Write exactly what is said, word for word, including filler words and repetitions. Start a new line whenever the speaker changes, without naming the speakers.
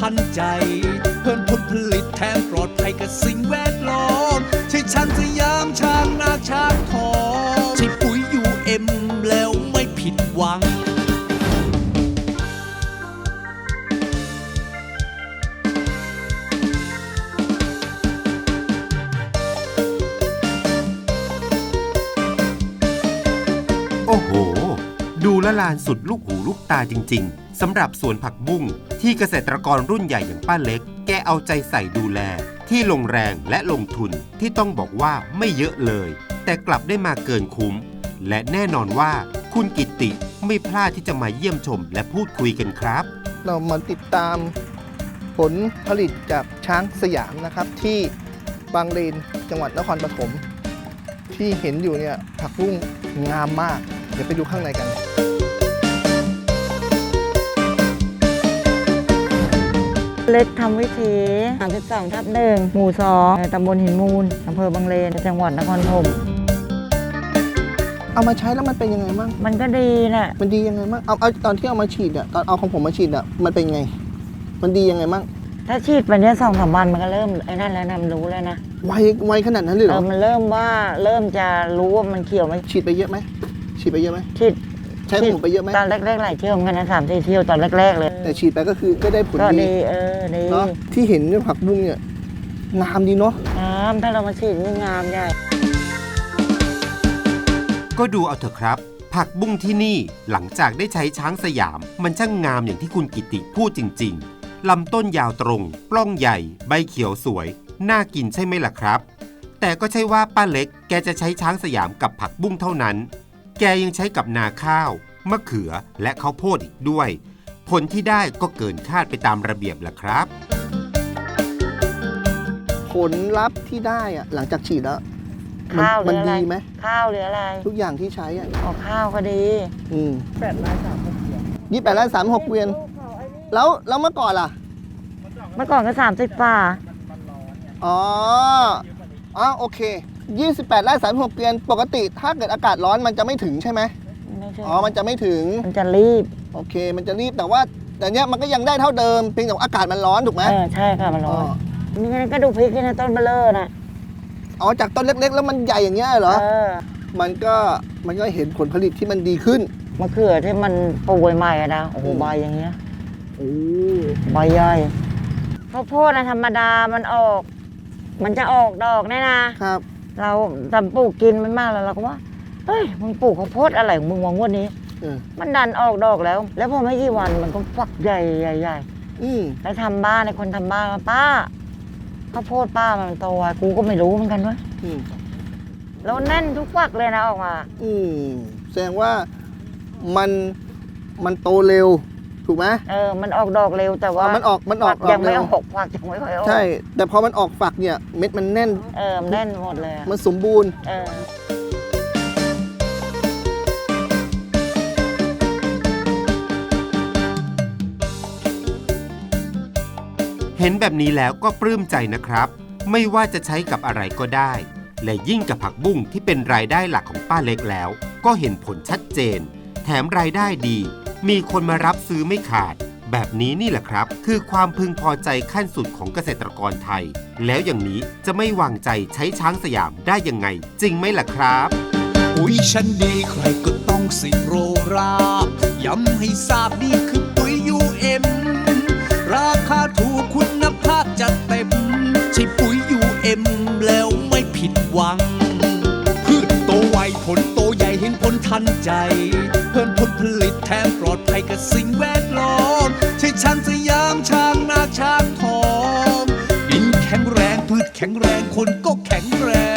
ทันใจเพิ่มผลผลิตแถมปลอดภัยกับสิ่งแวดล้อมใช่ช้างสยามช้างนาช้างทองใช่ปุ๋ยยูเอ็มแล้วไม่ผิดหวัง
โอ้โหดูละลานสุดลูกหูลูกตาจริงๆสำหรับสวนผักบุ้งที่เกษตรกรรุ่นใหญ่อย่างป้าเล็กแกเอาใจใส่ดูแลที่ลงแรงและลงทุนที่ต้องบอกว่าไม่เยอะเลยแต่กลับได้มาเกินคุ้มและแน่นอนว่าคุณกิตติไม่พลาดที่จะมาเยี่ยมชมและพูดคุยกันครับ
เรามาติดตามผลผลิตจากช้างสยามนะครับที่บางเลนจังหวัดนครปฐมที่เห็นอยู่เนี่ยผักบุ้งงามมากเดี๋ยวไปดูข้างในกัน
เล็กทำวิถีสามสิบสองทับหนึ่งหมู่สองตำบลหินมูลอำเภอบางเลนจังหวัดนครปฐม
เอามาใช้แล้วมันเป็นยังไงบ้าง
มันก็ดีนะ
มันดียังไงบ้างเอาเอาตอนที่เอามาฉีดอ่ะตอนเอาของผมมาฉีดอ่ะมันเป็นไงมันดียังไงบ้าง
ถ้าฉีดไปเนี้ยสองสามวันมันก็เริ่มไอ้นั่นแล้วนะมันรู้แล้วนะ
ไวไวขนาดนั้นเลยเหรอ
เออมันเริ่มว่าเริ่มจะรู้ว่ามันเขียวไหม
ฉีดไปเยอะไหมฉีดไปเยอะไหม
ฉีด
ใช้ของผมไปเยอะไหม
ตอนแรกๆหลายเที่ยวกันนะสามสี่เที่ยวตอนแรกๆเลย
แต่ฉีดไปก็คือก็ได้ผล
ดีเออดี
เนาะที่เห็นเนี่ยผักบุ้งเนี่ยงามดีเนาะ
งามถ้าเรามาฉีดนี่งามใหญ่
ก็ดูเอาเถอะครับผักบุ้งที่นี่หลังจากได้ใช้ช้างสยามมันช่างงามอย่างที่คุณกิติพูดจริงๆลำต้นยาวตรงปล้องใหญ่ใบเขียวสวยน่ากินใช่ไหมล่ะครับแต่ก็ใช่ว่าป้าเล็กแกจะใช้ช้างสยามกับผักบุ้งเท่านั้นแกยังใช้กับนาข้าวมะเขือและข้าวโพดอีกด้วยผลที่ได้ก็เกินคาดไปตามระเบียบล่ะครับ
ผลลัพธ์ที่ได้อะหลังจากฉีดแล้ว
ข้าว
มันดีไหม
ข้าวหรืออะไร
ทุกอย่างที่ใช้อ่ะ
ออกข้าวก็ดี
อืมแปดไร่สามหกเกวียนยี่แปดไร่สามหกเกวียนแล้วแล้วเมื่อก่อนล่ะ
เมื่อก่อนก็สามสิบฝ่า
อ๋ออ๋อโอเคยี่สิบแปดไร่สามหกเกวียนปกติถ้าเกิดอากาศร้อนมันจะไม่ถึงใช่ไหมอ๋อมันจะไม่ถึง
มันจะรีบ
โอเคมันจะรีบแต่ว่าแต่เนี้ยมันก็ยังได้เท่าเดิมเพียงแต่อากาศมันร้อนถูกไหม
เออใช่ค่ะมันร้อนนี่ก็ดูพริกนะต้นเบลเลอร์นะ
อ๋อจากต้นเล็กๆแล้วมันใหญ่อย่างเงี้ยเหรอมันก็มันก็เห็นผลผลิตที่มันดีขึ้น
มะเขือที่มันปลูกใหม่ๆนะโอ้โหใบอย่างเงี้ย
โอ้
ใบใหญ่ข้าวโพดนะธรรมดามันออกมันจะออกดอกแน่นะครับเราทำปลูกกินมันมากแล้วเราก็ว่าเฮ้ยมึงปลูกข้าวโพดอะไรของมึงวางวันนี้มันดันออกดอกแล้วแล้วพอไม่กี่วันมันก็ฝักใหญ่ใหญ่ใหญ่แล้วทำบ้านในคนทำบ้านมาป้าข้าวโพดป้ามันโตอ่ะกูก็ไม่รู้เหมือนกันวะแล้วแน่นทุกฝักเลยนะออกมา
อืมแสดงว่ามันมันโตเร็วถูกไหม
เออมันออกดอกเร็วแต่ว่า
มันออกมันออก
ยังไม่ออกฝักยังไม่ค่อยออก
ใช่แต่พอมันออกฝักเนี่ยเม็ดมันแน่น
เออแน่นหมดเลย
มันสมบูรณ์
เออ
เห็นแบบนี้แล้วก็ปลื้มใจนะครับไม่ว่าจะใช้กับอะไรก็ได้และยิ่งกับผักบุ้งที่เป็นรายได้หลักของป้าเล็กแล้วก็เห็นผลชัดเจนแถมรายได้ดีมีคนมารับซื้อไม่ขาดแบบนี้นี่แหละครับคือความพึงพอใจขั้นสุดของเกษตรกรไทยแล้วอย่างนี้จะไม่วางใจใช้ช้างสยามได้ยังไงจริงไหมล่ะครับ
ปุ๋ยชั้นดีใครก็ต้องสิโรราย้ำให้ทราบนี่คือปุ๋ยยูเอ็มราคาถูกคุณภาพจัดเต็มใช่ปุ๋ยยูเอ็มแล้วไม่ผิดหวังพืชโตไวผลโตใหญ่เห็นผลทันใจเพิ่มผลผลิตแถมปลอดภัยกับสิ่งแวดล้อมใช่ช้างสยามช้างนาช้างทองดินแข็งแรงพืชแข็งแรงคนก็แข็งแรง